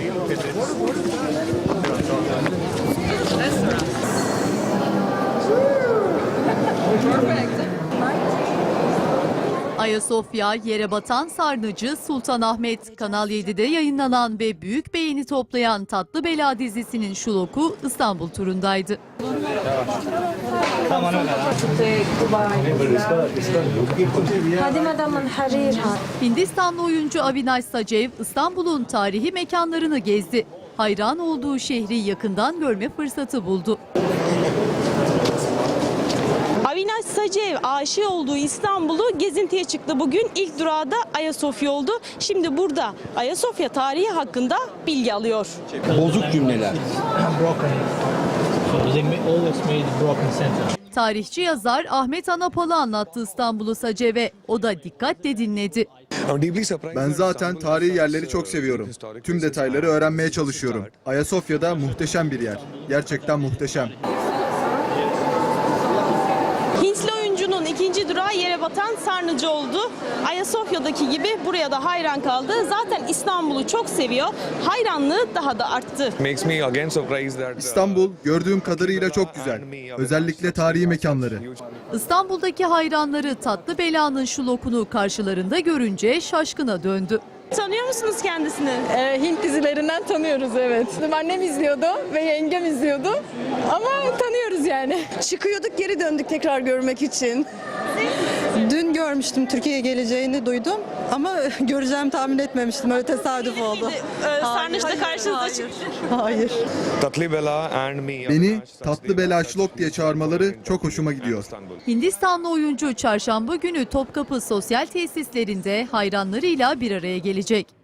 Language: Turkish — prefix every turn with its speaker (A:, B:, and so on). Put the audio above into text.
A: Ayasofya, yere batan sarnıcı, Sultanahmet, Kanal 7'de yayınlanan ve büyük beğeni toplayan Tatlı Bela dizisinin şuloku İstanbul turundaydı. Hindistanlı oyuncu Avinash Sacev, İstanbul'un tarihi mekanlarını gezdi. Hayran olduğu şehri yakından görme fırsatı buldu.
B: Avinash Sacev aşık olduğu İstanbul'u gezintiye çıktı. Bugün ilk durağı da Ayasofya oldu. Şimdi burada Ayasofya tarihi hakkında bilgi alıyor.
C: Bozuk cümleler.
A: Tarihçi yazar Ahmet Anapalı anlattı İstanbul'u Sacev'e. O da dikkatle dinledi.
D: Ben zaten tarihi yerleri çok seviyorum. Tüm detayları öğrenmeye çalışıyorum. Ayasofya'da muhteşem bir yer. Gerçekten muhteşem.
B: Hintli oyuncunun ikinci durağı yere batan sarnıcı oldu. Ayasofya'daki gibi buraya da hayran kaldı. Zaten İstanbul'u çok seviyor. Hayranlığı daha da arttı.
D: İstanbul gördüğüm kadarıyla çok güzel. Özellikle tarihi mekanları.
A: İstanbul'daki hayranları Tatlı Bela'nın şulokunu karşılarında görünce şaşkına döndü.
B: Tanıyor musunuz kendisini?
E: Hint dizilerinden tanıyoruz, evet. Annem izliyordu ve yengem izliyordu ama tanıyoruz yani.
F: Çıkıyorduk, geri döndük tekrar görmek için. Dün görmüştüm, Türkiye'ye geleceğini duydum ama göreceğimi tahmin etmemiştim. Öyle tesadüf oldu.
B: Sarnıçta karşınıza çıktı.
F: Hayır.
D: Beni Tatlı Bela Şlok diye çağırmaları çok hoşuma gidiyor.
A: Hindistanlı oyuncu çarşamba günü Topkapı sosyal tesislerinde hayranlarıyla bir araya gelecek.